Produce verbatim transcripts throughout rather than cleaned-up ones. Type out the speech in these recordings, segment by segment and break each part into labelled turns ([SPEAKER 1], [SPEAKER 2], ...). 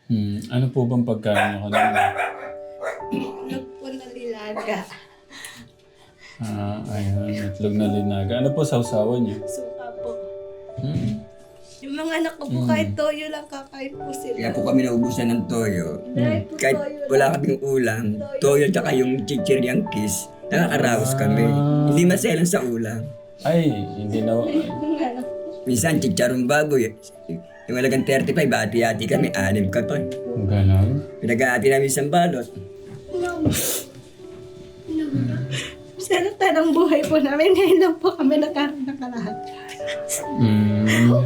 [SPEAKER 1] Hmm. Ano po bang pagkain niyo kanina?
[SPEAKER 2] Itlog po na nilaga.
[SPEAKER 1] Ah, ayun. Itlog na linaga. Ano po sausawan niyo?
[SPEAKER 2] Suka po.
[SPEAKER 1] Hmm.
[SPEAKER 2] Yung mga anak ko po kahit toyo lang kakain po sila.
[SPEAKER 3] Kaya po kami naubusan ng toyo.
[SPEAKER 2] Dahil po
[SPEAKER 3] Kahit
[SPEAKER 2] toyo
[SPEAKER 3] wala
[SPEAKER 2] lang.
[SPEAKER 3] kaming ulam, toyo tsaka yung chichiryang kiss, nakakaraos kami. Hindi maselan sa ulam.
[SPEAKER 1] Ay, hindi na...
[SPEAKER 2] Ano?
[SPEAKER 3] Minsan, chicharong baboy. Yung malagang thirty-five, hati-hati kami, anim ka pa.
[SPEAKER 1] Ganon.
[SPEAKER 3] Pinag-hati namin isang balot.
[SPEAKER 2] Sana tanang buhay po namin. Ngayon lang po kami nagkaroon ng kalahat.
[SPEAKER 1] Hmm.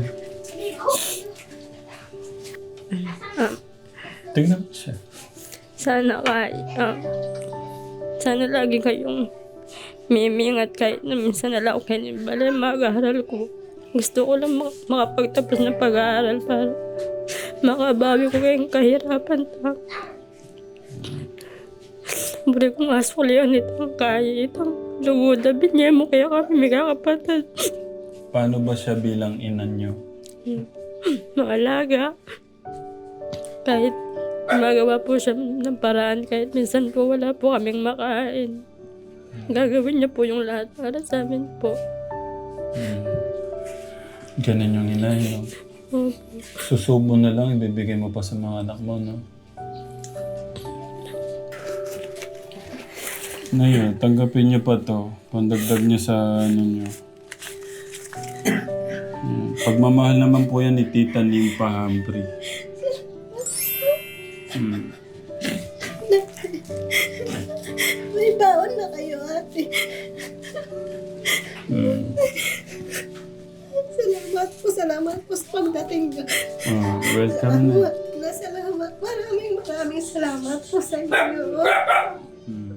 [SPEAKER 1] Tingnan mo siya.
[SPEAKER 4] Sana kay, ah, sana lagi kayong mimingat kahit na minsan na lang ako kayo balay mag-aaral ko. Gusto ko lang mak- makapagtapos ng pag-aaral para makabawi ko kayong kahirapan ta. Buri kong askulihan itong kaya itong lugudabi niya mo kaya kami may kakapatid.
[SPEAKER 1] Paano ba siya bilang ina niyo?
[SPEAKER 4] Maalaga. Kahit magawa po siya ng paraan, kahit minsan po wala po kaming makain. Gagawin niya po yung lahat para sa amin po.
[SPEAKER 1] Hmm. Ganun yung ina, no?
[SPEAKER 4] Opo.
[SPEAKER 1] Susubo na lang, ibibigay mo pa sa mga anak mo, no? Ngayon, tanggapin niyo pa to. Pandagdag niyo sa ano niyo. Hmm. Pagmamahal naman po yan ni Tita Nympha Humphrey. Hmm.
[SPEAKER 2] May baon na kayo, ate.
[SPEAKER 1] Hmm.
[SPEAKER 2] Salamat po, salamat po sa pagdating niyo.
[SPEAKER 1] Oh, welcome na.
[SPEAKER 2] Salamat na salamat. Maraming maraming salamat po sa inyo.
[SPEAKER 1] Hmm.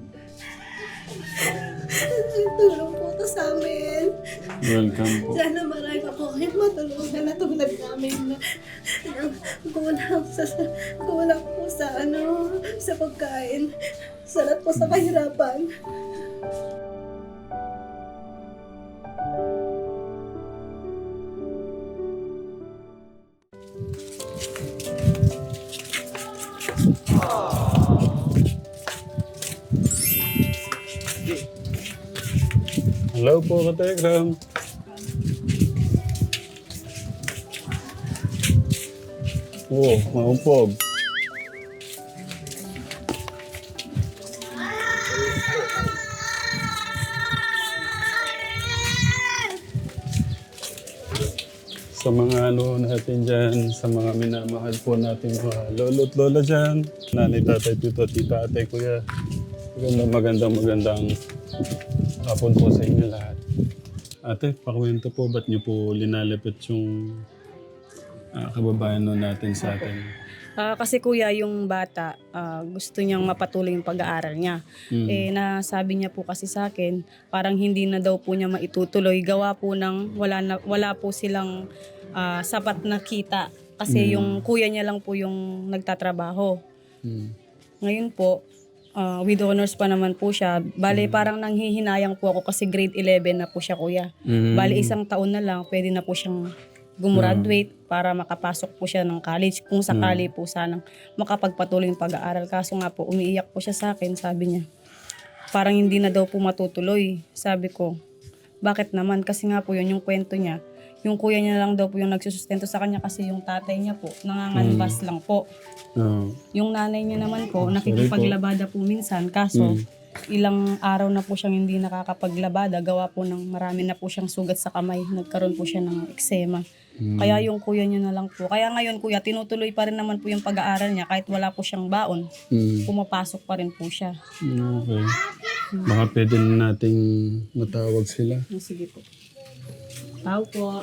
[SPEAKER 2] Tulong po to sa amin.
[SPEAKER 1] Welcome po.
[SPEAKER 2] Sana marami pa po kayong matulungan na tulad namin na na kulang sa, sa- kulang po sa ano, sa pagkain. Salat po sa kahirapan.
[SPEAKER 1] Hello po, Kategram. Oh, maumpog. Sa mga ano natin dyan, sa mga minamahal po natin mga lolo't lola dyan, nanay, tatay, tito, tita, ate, kuya. Magandang magandang magandang hapon po sa inyo lahat. Ate, pakwento po, ba't niyo po linalapit yung ah, kababayan nun natin sa atin?
[SPEAKER 5] Ah, kasi kuya, yung bata, ah, gusto niyang mapatuloy yung pag-aaral niya.
[SPEAKER 1] Mm.
[SPEAKER 5] Eh, nasabi niya po kasi sa akin, parang hindi na daw po niya maitutuloy. Gawa po ng wala, na, wala po silang ah, sapat na kita. Kasi
[SPEAKER 1] Mm.
[SPEAKER 5] yung kuya niya lang po yung nagtatrabaho.
[SPEAKER 1] Mm.
[SPEAKER 5] Ngayon po, ah, with honors pa naman po siya. Bale, parang nanghihinayang po ako kasi grade eleven na po siya kuya.
[SPEAKER 1] Mm.
[SPEAKER 5] Bale, isang taon na lang, pwede na po siyang gumraduate para makapasok po siya ng college kung sakali po sanang makapagpatuloy yung pag-aaral. Kaso nga po, umiiyak po siya sa akin, sabi niya. Parang hindi na daw po matutuloy. Sabi ko, bakit naman? Kasi nga po yun yung kwento niya. Yung kuya niya lang daw po yung nagsusustento sa kanya kasi yung tatay niya po, nanganganbas lang po.
[SPEAKER 1] Oh.
[SPEAKER 5] Yung nanay niya naman po, nakikipaglabada po minsan. Kaso, ilang araw na po siyang hindi nakakapaglabada. Gawa po ng marami na po siyang sugat sa kamay. Nagkaroon po siya ng eksema. Kaya yung kuya niya na lang po. Kaya ngayon kuya, tinutuloy pa rin naman po yung pag-aaral niya kahit wala po siyang baon.
[SPEAKER 1] Mm.
[SPEAKER 5] Pumapasok pa rin po siya.
[SPEAKER 1] Okay. Baka pwede na nating matawag sila.
[SPEAKER 5] Oh, sige po. Tao po.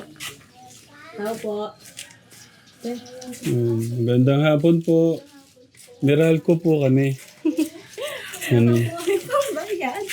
[SPEAKER 5] Tao po. Eh,
[SPEAKER 1] Mm. Magandang hapon po. Meralco po kami. Ano?
[SPEAKER 2] Ano po ang bayad?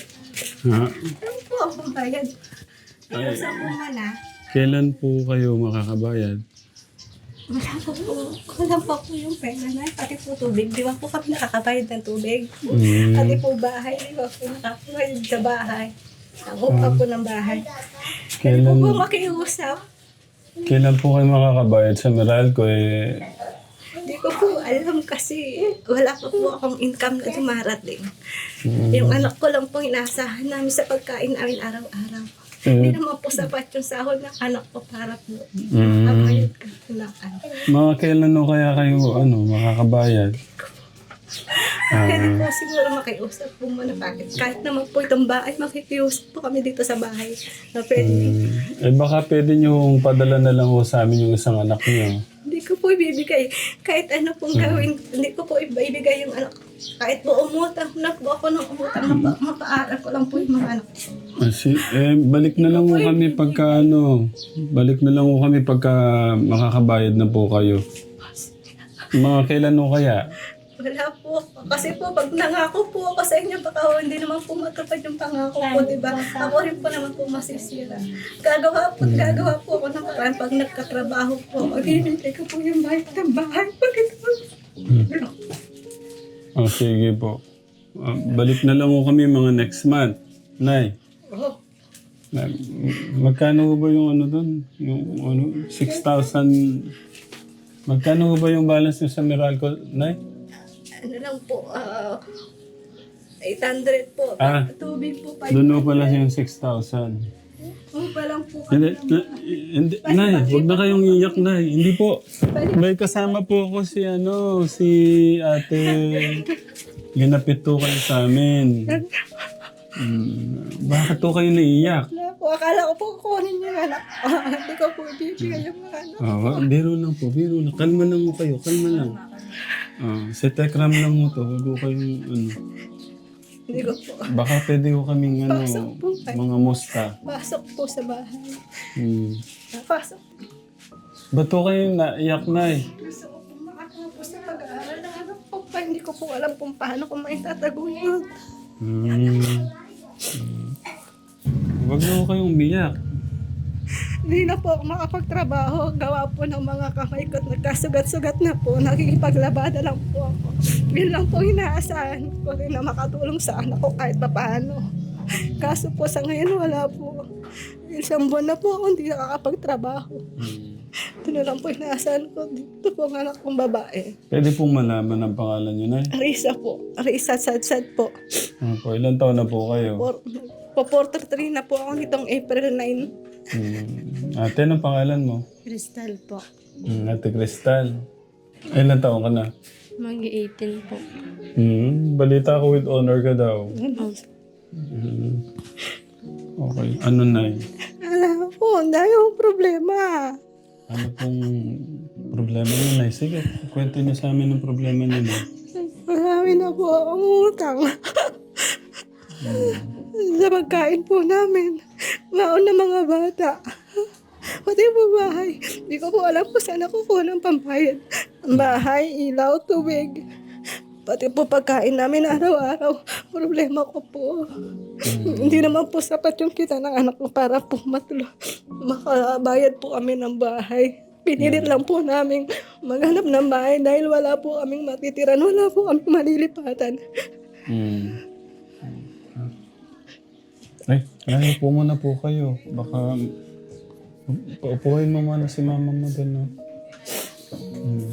[SPEAKER 1] Ha?
[SPEAKER 2] Ano po ang bayad? Pero sa kumana,
[SPEAKER 1] Kailan po kayo makakabayad?
[SPEAKER 2] wala pa po. Wala pa po yung pera na. Pati po tubig. Di ba po kami nakakabayad ng tubig?
[SPEAKER 1] Mm.
[SPEAKER 2] Pati po bahay. Di ba po nakakabayad sa bahay? Ako pa po ng bahay. Hindi po
[SPEAKER 1] Kailan,
[SPEAKER 2] po makiusap.
[SPEAKER 1] kailan po kayo makakabayad sa Meralco? Eh,
[SPEAKER 2] Hindi ko po alam kasi wala pa po akong income na dumarating. Yung anak ko lang po inaasahan namin sa pagkain namin araw-araw. Hindi naman po sapat yung sahod ng anak ko para po
[SPEAKER 1] Mm.
[SPEAKER 2] makabayad ka ng ano.
[SPEAKER 1] Mga kailan no kaya kayo ano, makakabayad?
[SPEAKER 2] Pwede po siguro makiusap po muna bakit. Kahit naman po itong bahay, makikiusap po kami dito sa bahay. Na pwede.
[SPEAKER 1] Mm. Eh baka pwede nyo padala na lang ho sa amin yung isang anak niyo.
[SPEAKER 2] Hindi ko po ibibigay. Kahit ano pong gawin, hindi ko po ibibigay yung anak ko. Kahit po umutang na po ako ng umutang, mapa, mapaaral ko lang po yung mga anak ko.
[SPEAKER 1] Ah, si, eh, balik na lang ho kami pagka ano, balik na lang ho kami pagka makakabayad na po kayo. Mga kailan ho kaya?
[SPEAKER 2] Wala po. Kasi po, pag nangako po ako sa inyo, baka ho, hindi naman po matupad yung pangako ko, di ba? Ako rin po naman po masisira. Gagawa po, gagawa po ako ng paraan pag nagkatrabaho po. Magbibigay ko po yung bayad ng bahay. Pag ito.
[SPEAKER 1] Oh, sige po. Ah, balik na lang ho kami mga next month. Nay,
[SPEAKER 2] Oh,
[SPEAKER 1] na- magkano ho ba yung ano doon? Yung ano, six thousand. Magkano ho ba yung balance nyo sa Meralco, Nay?
[SPEAKER 2] ano lang po, ah, eight hundred po.
[SPEAKER 1] Ah.
[SPEAKER 2] Tubig po, five
[SPEAKER 1] Doon ho pala yung six thousand.
[SPEAKER 2] po pa lang po.
[SPEAKER 1] Hindi, na, hindi, Nay, huwag na kayong iyak, Nay. Hindi po. May kasama po ako si ano, si ate. Ginapit to kayo sa amin. Hmm, bakit to kayo naiiyak?
[SPEAKER 2] Wala po, akala ko po kukunin yung anak ko. Hindi ko po ibibigay yung mga anak.
[SPEAKER 1] Oh, biro lang po, biro lang. Kalma lang mo kayo, kalma lang. Oh, si Tekram lang mo to, huwag ko kayong ano.
[SPEAKER 2] Hindi ko po.
[SPEAKER 1] Baka pwede ko kaming ano,
[SPEAKER 2] Pasok po kayo.
[SPEAKER 1] mga musta.
[SPEAKER 2] Pasok po sa bahay.
[SPEAKER 1] Hmm.
[SPEAKER 2] Pasok.
[SPEAKER 1] Ba't to kayo naiyak, Nay?
[SPEAKER 2] Gusto ko po makatapos sa pag-aaral ng anak ko pa. Hindi ko po alam kung paano ko maitatago yun.
[SPEAKER 1] Hmm. Hmm. Huwag na ko kayong umiyak.
[SPEAKER 2] Hindi na po ako makapagtrabaho. Gawa po ng mga kamay ko. Nagkasugat-sugat na po. Nakikipaglabada lang po ako. Yun lang po inaasahan ko rin na makatulong sa anak ko kahit papaano. Kaso po sa ngayon wala po. Isang buwan na po ako hindi nakakapagtrabaho. Ito na lang po inaasahan ko. Dito po ang anak kong babae.
[SPEAKER 1] Pwede pong malaman ang pangalan niyo, Nay?
[SPEAKER 2] Risa po. Risa Sadsad po.
[SPEAKER 1] Ano po, ilan taon na po kayo?
[SPEAKER 2] For, po forty-three na po ako nitong April ninth.
[SPEAKER 1] Hmm. Ate, anong pangalan mo?
[SPEAKER 4] Crystal po.
[SPEAKER 1] Hmm, Ate Cristal. Ay, ilan taon ka na?
[SPEAKER 4] Mag-eighteen po.
[SPEAKER 1] Hmm, balita ko with honor ka daw.
[SPEAKER 4] Oh,
[SPEAKER 1] Hmm. Okay. Ano, Nay?
[SPEAKER 2] Alam po, ang dami akong problema.
[SPEAKER 1] Ano pong problema niyo, Nay? Sige, kwento niyo sa amin ang problema niyo, Nay.
[SPEAKER 2] Marami na po akong utang. Sa pagkain po namin. Maon na mga bata. Pati po bahay. Hindi ko po alam kung saan ako kuha ng pambayad. Ang bahay, ilaw, tubig. Pati po pagkain namin araw-araw. Problema ko po. Hindi naman po sapat yung kita ng anak ko para po matulo. Makabayad po kami ng bahay. Pinilit lang po namin maghanap ng bahay dahil wala po kaming matitiran. Wala po kaming malilipatan.
[SPEAKER 1] Hmm. Ay, kaya po muna po kayo. Baka paupuhin mo muna si mama mo doon, no? Hmm.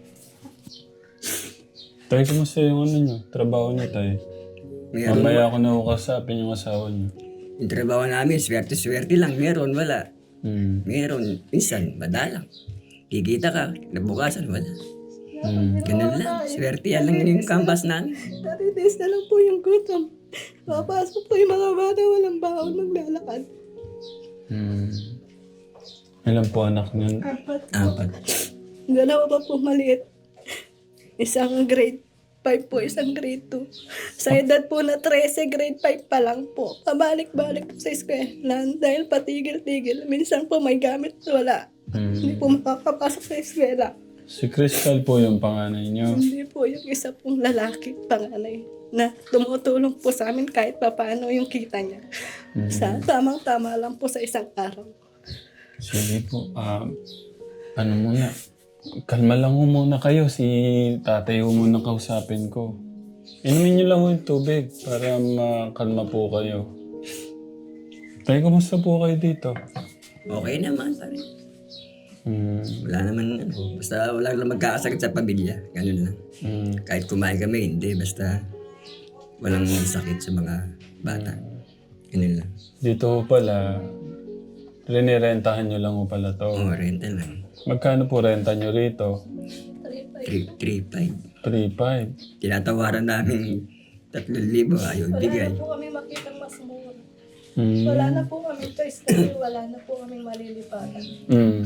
[SPEAKER 1] Tay, kumusta yung ano nyo? Trabaho niyo, Tay?
[SPEAKER 3] Meron.
[SPEAKER 1] Mamaya ako na ukasapin yung asawa niyo.
[SPEAKER 3] Yung trabaho namin, swerte-swerte lang. Meron, wala.
[SPEAKER 1] Hmm.
[SPEAKER 3] Meron, minsan, madalang. Kikita ka, nabukasan, wala.
[SPEAKER 1] Hmm.
[SPEAKER 3] Ganun lang. Swerte yan lang yung canvas namin.
[SPEAKER 2] Natitis na lang po yung gutom. Papasok po yung mga bata, walang baon, maglalakad.
[SPEAKER 1] Hmm. Ilan po anak niyan?
[SPEAKER 2] Apat.
[SPEAKER 3] Apat.
[SPEAKER 2] Dalawa pa po maliit. Isang grade five po, isang grade two. Sa edad po na thirteen, grade five pa lang po. Pabalik-balik po sa eskwelahan dahil patigil-tigil. Minsan po may gamit, wala. Hindi
[SPEAKER 1] Hmm.
[SPEAKER 2] po makakapasok sa eskwela.
[SPEAKER 1] Si Crystal po yung panganay niyo.
[SPEAKER 2] Hindi po yung isa pong lalaki, panganay, na tumutulong po sa amin kahit papaano yung kita niya. Sa tamang-tama lang po sa isang araw.
[SPEAKER 1] Sige po. ah ano muna? Kalma lang ho muna kayo. Si tatay ho muna kausapin ko. Inumin niyo lang ho yung tubig para makalma po kayo. Tay, kumusta po kayo dito?
[SPEAKER 3] Okay naman pa rin.
[SPEAKER 1] Mm.
[SPEAKER 3] Wala naman, ano, basta wala lang magkakasakit sa pamilya. Ganun lang.
[SPEAKER 1] Mm.
[SPEAKER 3] Kahit kumain kami, hindi. Basta walang sakit sa mga bata. Ganun lang.
[SPEAKER 1] Dito ho pala, rinirentahan nyo lang ho pala to.
[SPEAKER 3] Oo, renta lang.
[SPEAKER 1] Magkano po renta nyo rito?
[SPEAKER 3] three five.
[SPEAKER 1] three five.
[SPEAKER 3] Tinatawaran namin tatlong libo, ayaw
[SPEAKER 2] Wala
[SPEAKER 3] bigay.
[SPEAKER 2] na po kami makita mas mura.
[SPEAKER 1] Mm.
[SPEAKER 2] Wala na po kami choice kasi wala na po kami malilipatan.
[SPEAKER 1] Mm.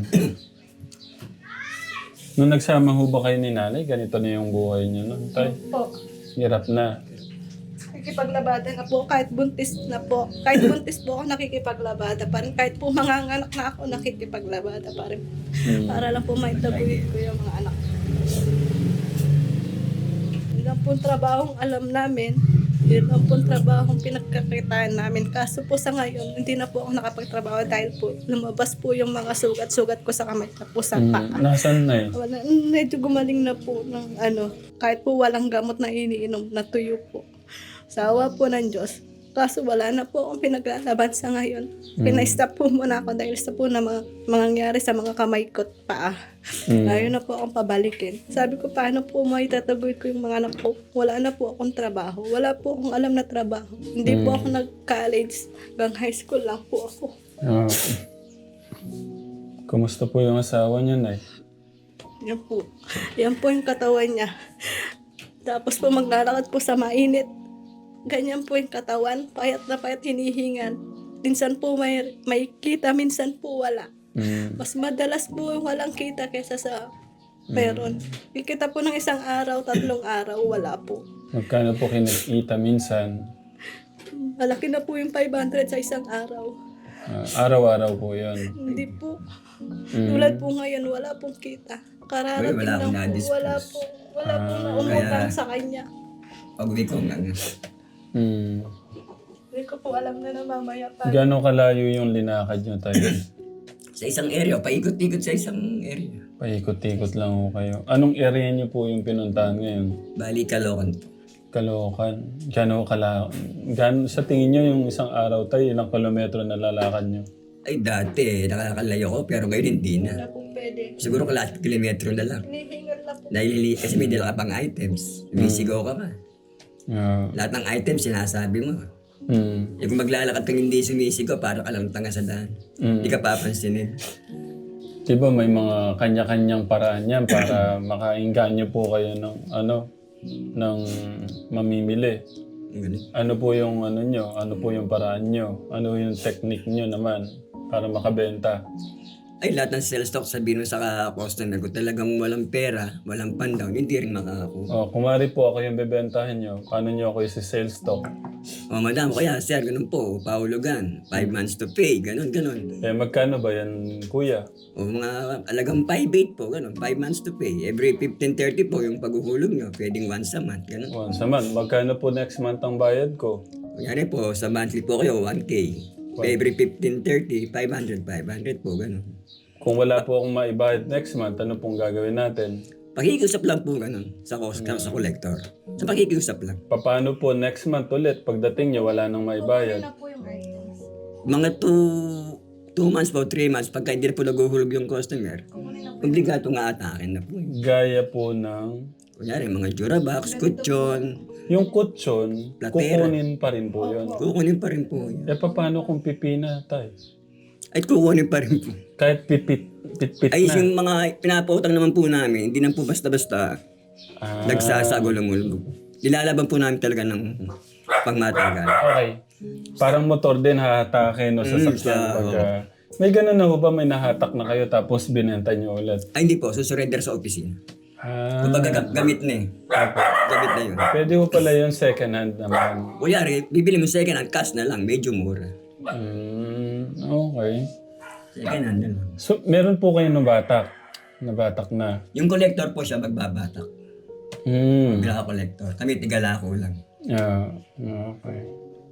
[SPEAKER 1] Nung nagsama ho ba kayo ni nanay, ganito na yung buhay niyo nun, tay?
[SPEAKER 2] Po,
[SPEAKER 1] Hirap na.
[SPEAKER 2] nakikipaglabada na po kahit buntis na po. Kahit buntis po ako nakikipaglabada pa rin. Kahit po manganganak na ako nakikipaglabada pa rin.
[SPEAKER 1] Mm.
[SPEAKER 2] Para lang po maitabuhin ko yung mga anak. Yun lang po trabahong alam namin. Yun lang po trabahong pinagkakitaan namin. Kaso po sa ngayon, hindi na po ako nakapagtrabaho dahil po lumabas po yung mga sugat-sugat ko sa kamay na po sa paa.
[SPEAKER 1] Mm. Nasaan na eh?
[SPEAKER 2] Wala, medyo gumaling na po ng ano, kahit po walang gamot na iniinom, natuyo po. Sa awa po ng Diyos. Kaso wala na po akong pinaglalaban sa ngayon. Pina-stop po muna ako dahil sa po na mga mangyayari sa mga kamay ko at paa.
[SPEAKER 1] Mm.
[SPEAKER 2] Ayaw na po akong pabalikin. Sabi ko, paano po maitatagoy ko yung mga anak ko? Wala na po akong trabaho. Wala po akong alam na trabaho. Hindi po ako nag-college. Hanggang high school lang po ako.
[SPEAKER 1] Ah. Kumusta po yung asawa niyo, nay?
[SPEAKER 2] Yan po. Yan po yung katawan niya. Tapos po maglalakad po sa mainit. Ganyan po yung katawan. Payat na payat hinihingan. Minsan po may, may kita, minsan po wala.
[SPEAKER 1] Mm.
[SPEAKER 2] Mas madalas po yung walang kita kaysa sa meron. Kikita po ng isang araw, tatlong araw, wala po.
[SPEAKER 1] Magkano po kinakita minsan?
[SPEAKER 2] Malaki na po yung five hundred sa isang araw.
[SPEAKER 1] Ah, araw-araw po yun.
[SPEAKER 2] Hindi po.
[SPEAKER 1] Mm.
[SPEAKER 2] Tulad po ngayon, wala pong kita. Kararating
[SPEAKER 3] Uy, wala akong
[SPEAKER 2] lang po.
[SPEAKER 3] na-dispose.
[SPEAKER 2] Wala po. Wala po na
[SPEAKER 1] Ah,
[SPEAKER 2] umutang
[SPEAKER 3] kaya-
[SPEAKER 2] sa kanya.
[SPEAKER 3] Pag-uwi ko nga nga.
[SPEAKER 1] Mm.
[SPEAKER 2] Hindi ko po alam na na mamaya pa.
[SPEAKER 1] Gano'ng kalayo yung linakad nyo tayo?
[SPEAKER 3] Sa isang area, paikot-ikot sa isang area.
[SPEAKER 1] Paikot-ikot lang ho kayo. Anong area nyo po yung pinuntahan ngayon?
[SPEAKER 3] Bali, Caloocan po.
[SPEAKER 1] Caloocan. Gano'ng kala... Gan... Sa tingin nyo yung isang araw tayo, ilang kilometro na lalakad nyo?
[SPEAKER 3] Ay, dati, nakakalayo ko, pero ngayon hindi
[SPEAKER 2] Wala
[SPEAKER 3] na.
[SPEAKER 2] pong pwede.
[SPEAKER 3] Siguro kalahati kilometro na lang.
[SPEAKER 2] Hinihingal na po.
[SPEAKER 3] Dahil kasi may dala ka pang items. Bisigaw ka pa.
[SPEAKER 1] Ah.
[SPEAKER 3] Lahat ng items, sinasabi mo.
[SPEAKER 1] Mm.
[SPEAKER 3] Eh kung maglalakad kang hindi sumisigaw, para ka lang tanga sa daan.
[SPEAKER 1] Mm.
[SPEAKER 3] Hindi ka papansinin.
[SPEAKER 1] Diba may mga kanya-kanyang paraan yan para makainganyo po kayo ng ano, ng mamimili.
[SPEAKER 3] Ganun.
[SPEAKER 1] Ano po yung ano nyo? Ano po yung paraan nyo? Ano yung technique nyo naman para makabenta?
[SPEAKER 3] Ay, lahat ng sales stock sabihin mo sa customer ko, talagang walang pera, walang pandown, hindi rin makakakuha.
[SPEAKER 1] Oh, kumari po ako yung bebentahin nyo. Paano nyo ako isi sales stock?
[SPEAKER 3] O madam, kaya sir, ganun po, paulugan, five months to pay, ganun, ganun.
[SPEAKER 1] Eh magkano ba yan, kuya?
[SPEAKER 3] O mga alagang five eight po, ganun, five months to pay. Every fifteen thirty po yung paghuhulog nyo, pwedeng once a month, ganun.
[SPEAKER 1] Once a month. Magkano po next month ang bayad ko?
[SPEAKER 3] Kunyari po, sa monthly po kayo, one K. Every fifteen thirty, five hundred, five hundred po, ganun.
[SPEAKER 1] Kung wala po akong maibayad next month, ano pong gagawin natin?
[SPEAKER 3] Pakikiusap lang po ganun sa, sa collector. Sa pakikiusap lang.
[SPEAKER 1] Paano po next month ulit? Pagdating nyo, wala nang maibayad.
[SPEAKER 2] Na po yung items.
[SPEAKER 3] Mga two, two months po, three months, pagka hindi na po naguhulog yung customer, obligato nga atakin na po.
[SPEAKER 1] Gaya po ng...
[SPEAKER 3] Kunyari, mga Durabox, kutsyon,
[SPEAKER 1] Yung kutsyon,
[SPEAKER 3] Platera.
[SPEAKER 1] kukunin pa rin po yun.
[SPEAKER 3] kukunin pa rin po yun.
[SPEAKER 1] Eh, paano kung pipina tayo?
[SPEAKER 3] Ay, kukunin pa rin po.
[SPEAKER 1] Kahit pipit, pitpit
[SPEAKER 3] Ay,
[SPEAKER 1] na.
[SPEAKER 3] yung mga pinapautang naman po namin, hindi na po basta-basta
[SPEAKER 1] Ah,
[SPEAKER 3] nagsasagulong-ulog. Nilalaban po namin talaga ng pangmatagal.
[SPEAKER 1] okay. Parang motor din hahatakin o sasakyan.
[SPEAKER 3] sa-
[SPEAKER 1] pag, ah, may ganun na ho ba? May nahatak na kayo tapos binenta nyo ulit?
[SPEAKER 3] Ay, hindi po. Susurrender sa opisina.
[SPEAKER 1] Ah,
[SPEAKER 3] Kumbaga, ga- gamit na eh. Gamit na yun.
[SPEAKER 1] pwede ho pala yung second hand naman.
[SPEAKER 3] Kunyari, bibili mo second hand, cash na lang, medyo mura.
[SPEAKER 1] Mm, okay.
[SPEAKER 3] Second hand na lang.
[SPEAKER 1] So, meron po kayo ng batak? Nabatak na.
[SPEAKER 3] Yung collector po siya magbabatak.
[SPEAKER 1] Mm.
[SPEAKER 3] Tigala collector. Kami tigalako lang.
[SPEAKER 1] Yeah, okay.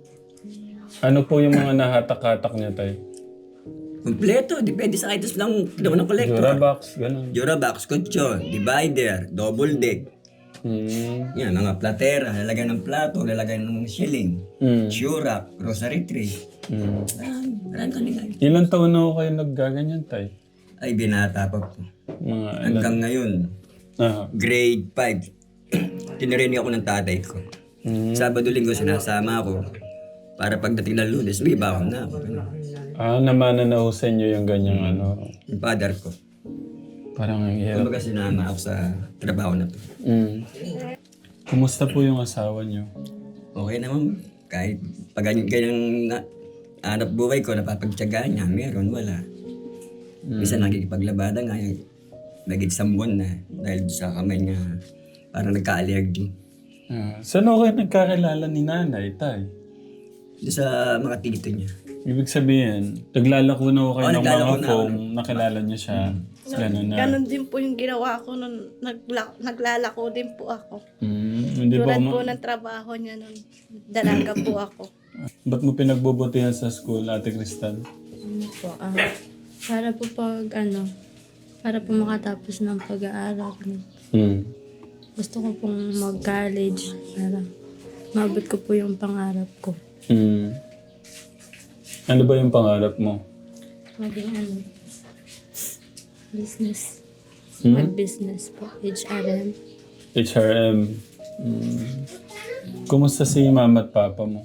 [SPEAKER 1] Ano po yung mga nahatak-hatak niya tayo?
[SPEAKER 3] Kompleto, depende sa items lang daw ng collector.
[SPEAKER 1] Durabox, ganun.
[SPEAKER 3] Durabox, kutsyon, divider, double deck.
[SPEAKER 1] Mm.
[SPEAKER 3] Yan, mga platera, lalagay ng plato, lalagay ng shilling,
[SPEAKER 1] Mm.
[SPEAKER 3] shurak, rosary tray.
[SPEAKER 1] Mm.
[SPEAKER 3] Marami, marami kanila.
[SPEAKER 1] Ilan taon na ho kayo naggaganyan tayo?
[SPEAKER 3] Ay, binata pa po.
[SPEAKER 1] Mga ilan?
[SPEAKER 3] Hanggang ngayon,
[SPEAKER 1] Ah.
[SPEAKER 3] grade five, tinirinig ako ng tatay ko.
[SPEAKER 1] Mm.
[SPEAKER 3] Sabado linggo sinasama ako para pagdating ng Lunes, may bakon na ako. Ganun.
[SPEAKER 1] Ah, namana na ho sa inyo yung ganyang ano.
[SPEAKER 3] Yung father ko.
[SPEAKER 1] Parang ang hirap.
[SPEAKER 3] Kumbaga sinama ako sa trabaho na to.
[SPEAKER 1] Mm. Kumusta po yung asawa niyo?
[SPEAKER 3] Okay naman, kahit pag ganyan, ganyang na, hanap buhay ko, napapagtyagaan niya, meron, wala. Minsan nakikipaglabada nga, yung naging isang buwan na dahil sa kamay niya, parang nagka-allergy.
[SPEAKER 1] Ah, saan ako kayo nagkakilala ni nanay, tay?
[SPEAKER 3] Doon sa mga tito niya.
[SPEAKER 1] Ibig sabihin, naglalako na ako kayo
[SPEAKER 3] Oo,
[SPEAKER 1] ng
[SPEAKER 3] naglalako
[SPEAKER 1] mga
[SPEAKER 3] na
[SPEAKER 1] foam, nakilala niya siya. Ganun na.
[SPEAKER 2] Ganon din po yung ginawa ko nung nagla- naglalako din po ako.
[SPEAKER 1] Mm, hindi ba
[SPEAKER 2] Tulad
[SPEAKER 1] ma-
[SPEAKER 2] po ng trabaho niya nung dalaga po ako.
[SPEAKER 1] Ba't mo pinagbubutihan sa school, Ate Cristal?
[SPEAKER 4] Ano po, ah, para po pag ano, para po makatapos ng pag-aaral.
[SPEAKER 1] Hmm.
[SPEAKER 4] Gusto ko pong mag-college para mabot ko po yung pangarap ko.
[SPEAKER 1] Hmm. Ano ba yung pangarap mo?
[SPEAKER 4] Maging ano, business.
[SPEAKER 1] Hmm?
[SPEAKER 4] Mag-business po, H R M.
[SPEAKER 1] H R M. Hmm. Kumusta si mama at papa mo?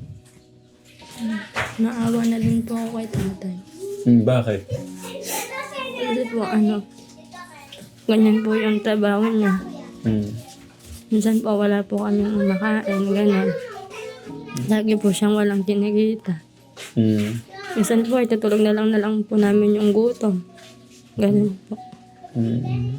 [SPEAKER 4] Naawa na din po ako kay tatay.
[SPEAKER 1] Hmm, bakit?
[SPEAKER 4] Kasi po ano, ganyan po yung trabaho niya.
[SPEAKER 1] Hmm.
[SPEAKER 4] Minsan po wala po kaming makain, gano'n. Lagi po siyang walang kinikita.
[SPEAKER 1] Hmm.
[SPEAKER 4] Minsan po ay tutulog na lang na lang po namin yung gutom. Ganun po.
[SPEAKER 1] Hmm.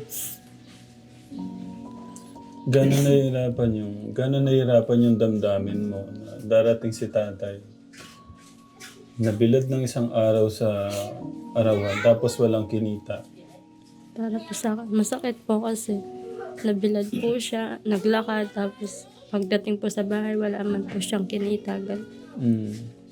[SPEAKER 1] Gano'n nahihirapan yung, gano'n nahihirapan yung damdamin mo na darating si tatay. Nabilad ng isang araw sa arawan, tapos walang kinita.
[SPEAKER 4] Para po sa akin, masakit po kasi nabilad po siya, naglakad, tapos pagdating po sa bahay, wala man po siyang kinita. Ganun.
[SPEAKER 1] Hmm.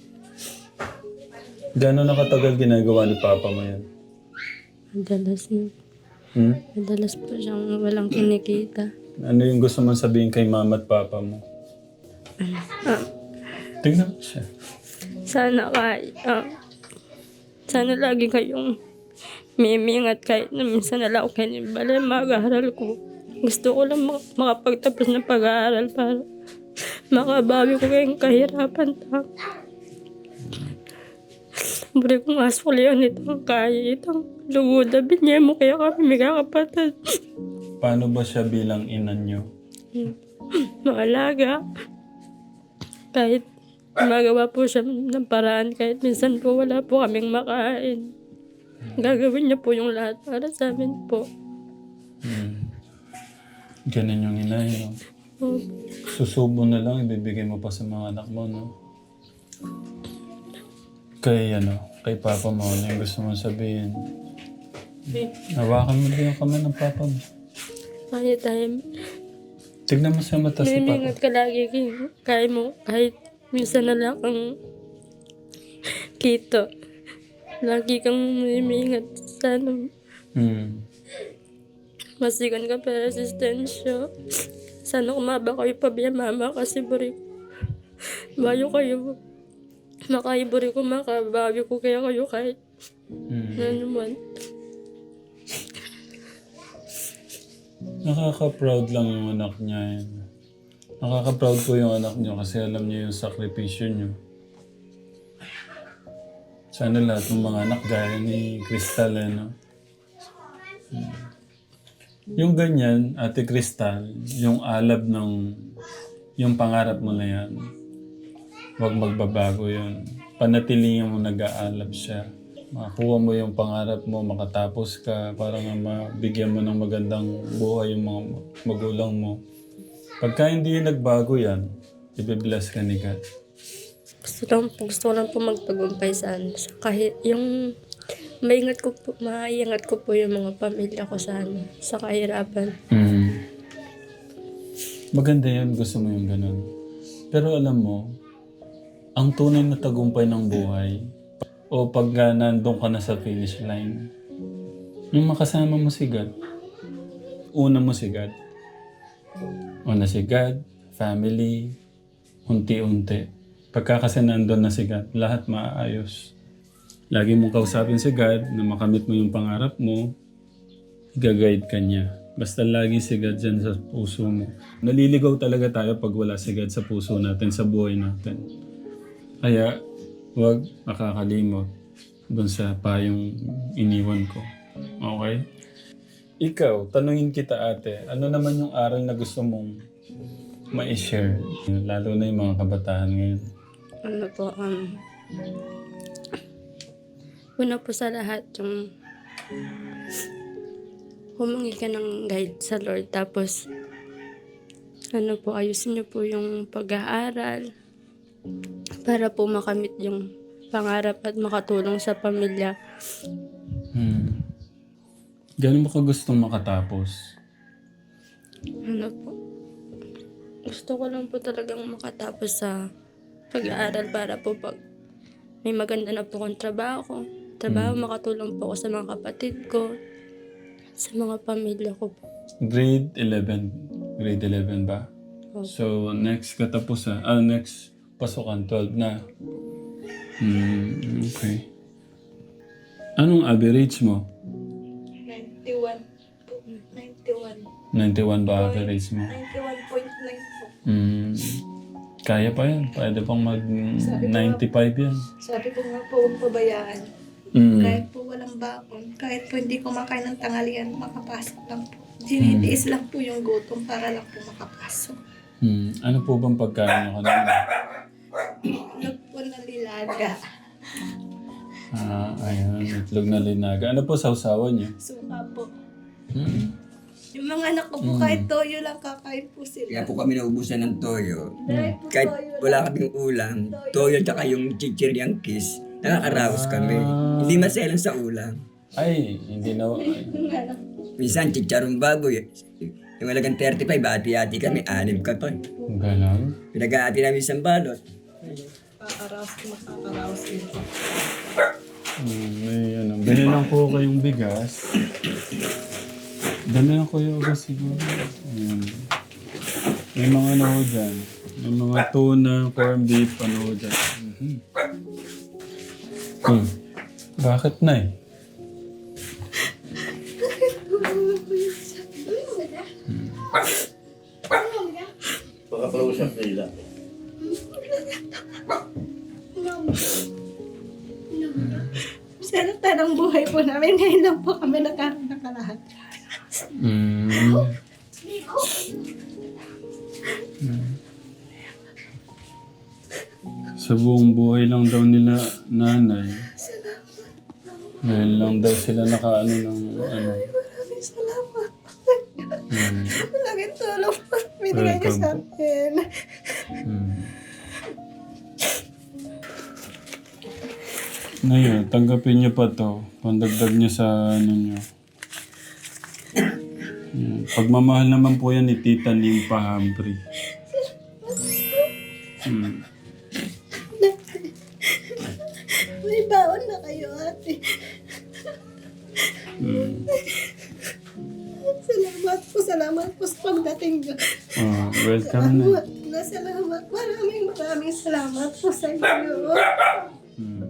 [SPEAKER 1] Gano'n nakatagal ginagawa ni Papa mo yan?
[SPEAKER 4] Madalas,
[SPEAKER 1] Hmm?
[SPEAKER 4] madalas po siyang walang kinikita.
[SPEAKER 1] Ano yung gusto mong sabihin kay Mama at Papa mo?
[SPEAKER 4] Ah,
[SPEAKER 1] Tingnan mo siya.
[SPEAKER 4] sana kay, ah, sana lagi kayong mimingat kahit na minsan nala ako kayo ng balay, mag-aaral ko. Gusto ko lang mak- makapagtapos ng pag-aaral para makabawi ko kayong kahirapan. Ta. Buri kong aswalian itong kaya itong luguda. Binye mo kaya kami may kakapatid.
[SPEAKER 1] Paano ba siya bilang ina niyo?
[SPEAKER 4] Maalaga. Kahit magawa po siya ng paraan, kahit minsan po wala po kaming makain. Gagawin niya po yung lahat para sa amin po.
[SPEAKER 1] Hmm. Ganun yung ina, no?
[SPEAKER 4] Oh,
[SPEAKER 1] Susubo na lang, ibibigay mo pa sa mga anak mo, no? Kay, ano, kay Papa mo, ano yung gusto mong sabihin? Hawakan mo din yung kamay ng Papa mo.
[SPEAKER 4] kaya tayo.
[SPEAKER 1] Tignan mo sa mata si Papa.
[SPEAKER 4] Mimingat ka lagi kay- kaya mo, kahit minsan na lang kang kito. Lagi kang mimingat. Sana
[SPEAKER 1] Hmm.
[SPEAKER 4] masigan ka para resistensya. Sana kumaba kayo pa biya mama kasi buri bayo kayo. Makaiburi ko, makabawi ko kaya kayo kahit
[SPEAKER 1] Hmm.
[SPEAKER 4] ano man.
[SPEAKER 1] Nakaka-proud lang yung anak niya. Yun. Nakaka-proud po yung anak niyo kasi alam niyo yung sakripisyo niyo. Sana lahat ng mga anak gaya ni Crystal, eh, no? Hmm. Yung ganyan, Ate Crystal, yung alab ng, yung pangarap mo na yan, huwag magbabago yun. Panatilihin mo nag-aalab siya. Makakuha mo yung pangarap mo, makatapos ka, para nga mabigyan mo ng magandang buhay yung mga magulang mo. Pagka hindi nagbago yan, ibibless ka ni God.
[SPEAKER 4] Gusto lang po, gusto ko lang po magtagumpay sa ano. Sa kahit yung maingat ko po, maiingat ko po yung mga pamilya ko sa ano, sa kahirapan.
[SPEAKER 1] Mm. Maganda yun, gusto mo yung ganun. Pero alam mo, ang tunay na tagumpay ng buhay, o pag uh, nandun ka na sa finish line, yung makasama mo si God, una mo si God. Una si God, family, unti-unti. Pagka kasi nandun na si God, lahat maayos. lagi mong kausapin si God na makamit mo yung pangarap mo, i-guide ka niya. Basta lagi si God dyan sa puso mo. Naliligaw talaga tayo pag wala si God sa puso natin, sa buhay natin. Kaya, huwag makakalimot dun sa payong iniwan ko. Okay? Ikaw, tanungin kita ate, ano naman yung aral na gusto mong ma-share? Lalo na yung mga kabataan ngayon.
[SPEAKER 4] Ano po, um, una po sa lahat, yung humingi ka ng guide sa Lord. Tapos, ano po, ayusin niyo po yung pag-aaral para po makamit yung pangarap at makatulong sa pamilya.
[SPEAKER 1] Hmm. Gano'n mo ka gustong makatapos?
[SPEAKER 4] Ano po, gusto ko lang po talagang makatapos sa pag-aaral para po pag may maganda na po akong trabaho, trabaho, makatulong po ako sa mga kapatid ko, sa mga pamilya ko po.
[SPEAKER 1] Grade eleven. Grade eleven ba?
[SPEAKER 4] Opo.
[SPEAKER 1] So, next katapusan, ah, next pasukan, twelve na. Hmm, okay. Anong average mo?
[SPEAKER 2] ninety-one po. ninety-one.
[SPEAKER 1] ninety-one ba average mo?
[SPEAKER 2] ninety-one point nine po.
[SPEAKER 1] Hmm. Kaya pa yan. Pwede pang mag ninety-five yan.
[SPEAKER 2] Sabi ko nga po, huwag pabayaan.
[SPEAKER 1] Hmm.
[SPEAKER 2] Kahit po walang bakon, kahit po hindi kumakain ng tanghalian, makapasok lang po. Dinitiis lang po yung gutom para lang po makapasok.
[SPEAKER 1] Hmm. Ano po bang pagkain mo kanina?
[SPEAKER 2] Itlog po na lilaga.
[SPEAKER 1] Ah, ayun. Itlog na linaga. Ano po sausawan niyo?
[SPEAKER 2] Suka po.
[SPEAKER 1] Hmm.
[SPEAKER 2] Yung mga anak ko po, kahit toyo lang kakain po sila.
[SPEAKER 3] Kaya po kami naubusan ng toyo.
[SPEAKER 2] Dahil po
[SPEAKER 3] Kahit
[SPEAKER 2] toyo
[SPEAKER 3] wala
[SPEAKER 2] lang.
[SPEAKER 3] kaming ulam, toyo tsaka yung chichiryang kiss, nakakaraos kami.
[SPEAKER 1] Ah.
[SPEAKER 3] Hindi maselan sa ulam.
[SPEAKER 1] Ay, hindi na... Ay.
[SPEAKER 3] Minsan, chicharong baboy. Yung malagang thirty-five, ati-ati kami, anim ka pa.
[SPEAKER 1] Ganon.
[SPEAKER 3] Pinag-aati namin isang balot.
[SPEAKER 2] Makakaraos, makakaraos yun.
[SPEAKER 1] Hmm, may ano. Binilang ko kayong bigas. Dami lang ko yung bigas siguro. Ayan. May mga ano ho dyan. May mga tuna, corned beef, ano ho dyan. Mhm. Hmm. Bakit na eh?
[SPEAKER 6] Pagka-close up nila.
[SPEAKER 2] Sa tanang buhay po namin, ngayon lang po kami nagkaroon ng kalahat.
[SPEAKER 1] Hmm. Hmm. Sa buong buhay lang daw nila nanay. Ngayon lang daw sila nakaano ng ano.
[SPEAKER 2] Maraming salamat.
[SPEAKER 1] Hmm.
[SPEAKER 2] Malaking tulong po binigay niyo sa akin.
[SPEAKER 1] Hmm. Ngayon, tanggapin niyo pa to. Pandagdag niyo sa ano niyo. Yan. Pagmamahal naman po yan ni Tita Ning Pahambri. Hmm.
[SPEAKER 2] May baon na kayo, ate.
[SPEAKER 1] Hmm.
[SPEAKER 2] Salamat po, salamat po sa pagdating niyo.
[SPEAKER 1] Oh, welcome na.
[SPEAKER 2] Salamat na, salamat. Maraming maraming salamat po sa inyo.
[SPEAKER 1] Hmm.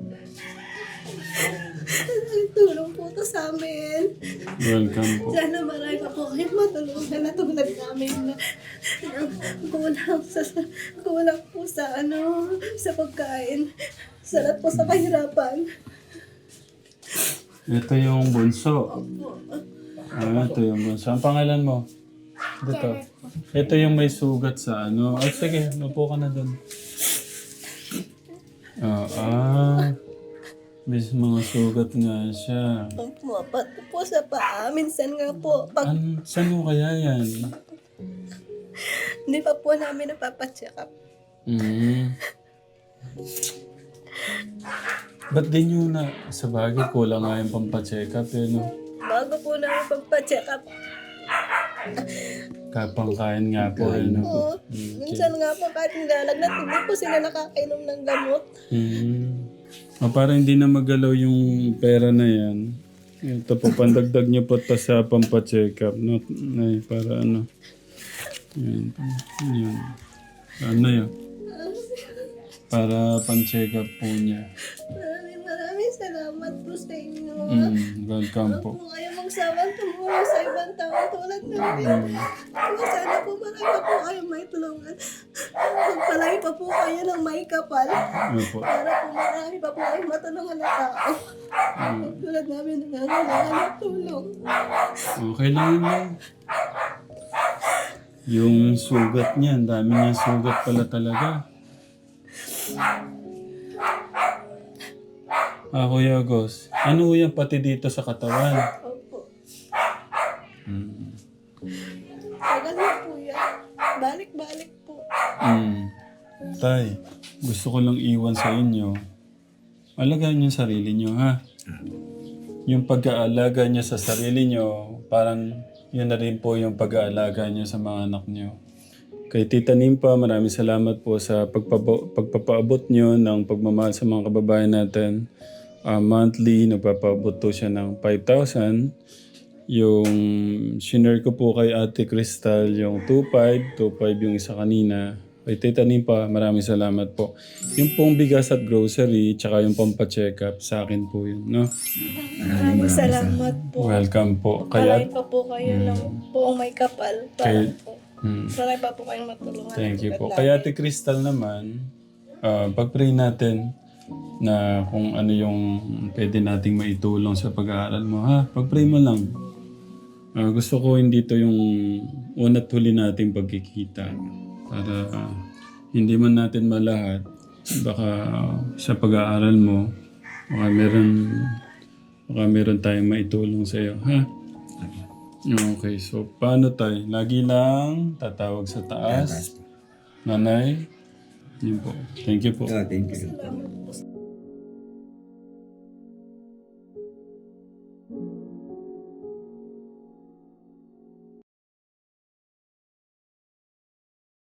[SPEAKER 2] Tulong po to sa amin.
[SPEAKER 1] Welcome po.
[SPEAKER 2] Sana marami pa po kayo matulungan na tulad namin na na kulang sa, kulang po sa ano, sa pagkain. Salat po sa kahirapan.
[SPEAKER 1] Ito yung bunso. Ah, ito yung bunso. Ang pangalan mo? Dito. Ito yung may sugat sa ano. Oh, sige, mapo ka na doon. Ah, ah. May mga sugat nga siya.
[SPEAKER 2] Ang pumapat po sa paa. Minsan nga po, pag
[SPEAKER 1] An, saan mo kaya yan?
[SPEAKER 2] hindi pa po namin napapacheck up.
[SPEAKER 1] Hmm. Ba't di nyo na, sa bagay, kulang nga yung pampacheck up eh, no?
[SPEAKER 2] Bago po namin pagpa-check up,
[SPEAKER 1] Kapangkain nga po eh, no?
[SPEAKER 2] po, minsan nga po kahit nilalagnat, hindi po sila nakakainom ng gamot.
[SPEAKER 1] Hmm. O, para hindi na magalaw yung pera na yan. Ito po, pandagdag nyo po ito sa pampacheck up, no? Ay, para ano. Yan. Yan. Ano yun? Para pan-check up po niya.
[SPEAKER 2] Maraming maraming salamat
[SPEAKER 1] Mm, welcome po.
[SPEAKER 2] Kung kayo magsawang tumulong sa ibang tao tulad namin. Kung sana po marami pa po kayo may tulungan. Magpalay pa po kayo ng may kapal.
[SPEAKER 1] Ano po?
[SPEAKER 2] Para po marami pa po kayong matulungan na tao. Tulad namin nangangailangan ng tulong.
[SPEAKER 1] Okay lang yun lang. Yung sugat niya, ang dami niya sugat pala talaga. Ah, Kuya Gos, ano ho yan pati dito sa katawan?
[SPEAKER 2] Opo.
[SPEAKER 1] Mm.
[SPEAKER 2] Tagal na po yan. Balik-balik po.
[SPEAKER 1] Mm. Tay, gusto ko lang iwan sa inyo. Alagaan niyo yung sarili niyo, ha? Yung pag-aalaga niyo sa sarili niyo, parang yun na rin po yung pag-aalaga niyo sa mga anak niyo. Kay Tita Nimpa, maraming salamat po sa pagpapa- pagpapaabot niyo ng pagmamahal sa mga kababayan natin. Uh, monthly, nagpapaabot to siya ng five thousand. Yung shinare ko po kay Ate Crystal, yung two five, two five yung isa kanina. Kay Tita Nimpa, maraming salamat po. Yung pong bigas at grocery, tsaka yung pampacheck up, sa akin po yun, no?
[SPEAKER 2] Maraming salamat po.
[SPEAKER 1] Welcome po.
[SPEAKER 2] Kaya
[SPEAKER 1] Kaya,
[SPEAKER 2] pa po kayo ng buong may kapal. Para
[SPEAKER 1] Kay-
[SPEAKER 2] po.
[SPEAKER 1] hmm,
[SPEAKER 2] Marami pa po kayong matulungan.
[SPEAKER 1] thank you po.
[SPEAKER 2] Tulad
[SPEAKER 1] Kaya
[SPEAKER 2] namin.
[SPEAKER 1] Ate Crystal naman, uh, pag-pray natin na kung ano yung pwede nating maitulong sa pag-aaral mo, ha? Pag-pray mo lang. Ah, gusto ko hindi to yung una't huli nating pagkikita. Para ah, hindi man natin malahat, baka sa pag-aaral mo, baka meron, baka meron tayong maitulong sa iyo, ha? Okay, so paano tayo? Lagi lang tatawag sa taas. Nanay, yun po. Thank you po.
[SPEAKER 3] Oh, thank you.